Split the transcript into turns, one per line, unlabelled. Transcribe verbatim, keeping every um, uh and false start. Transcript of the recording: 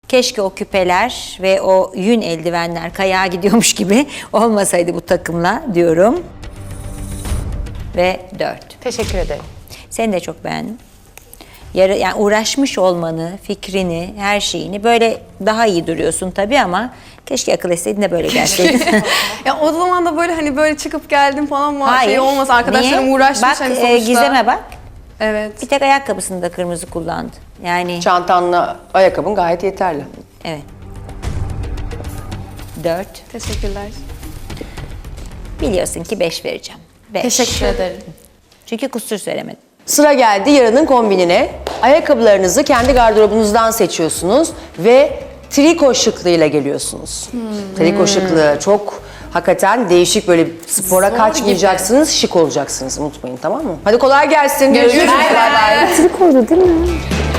Keşke o küpeler ve o yün eldivenler kayağa gidiyormuş gibi olmasaydı bu takımla diyorum. Ve dört.
Teşekkür ederim.
Seni de çok beğendim. Yarı, yani uğraşmış olmanı, fikrini, her şeyini böyle daha iyi duruyorsun tabii ama keşke akıl etseydin de böyle gelseydin.
Ya o zaman da böyle hani böyle çıkıp geldim falan mı
Hayır.
şey olmaz, arkadaşlarım
Niye?
uğraşmış
Bak,
hani
e,
sonuçta.
Gizem'e bak.
Evet.
Bir tek ayakkabısını da kırmızı kullandı. Yani
Çantanla ayakkabın gayet yeterli.
evet. Dört.
Teşekkürler.
Biliyorsun ki beş vereceğim. Beş.
Teşekkür ederim.
Çünkü kusur söylemedim.
Sıra geldi yarının kombinine. Ayakkabılarınızı kendi gardırobunuzdan seçiyorsunuz ve triko şıklığıyla geliyorsunuz. Triko şıklığı çok hakikaten değişik, böyle spora
Zor
kaçmayacaksınız, şık olacaksınız, unutmayın, tamam mı? Hadi kolay gelsin.
Görüşürüz.
Bay bay.
Trikoydu değil mi?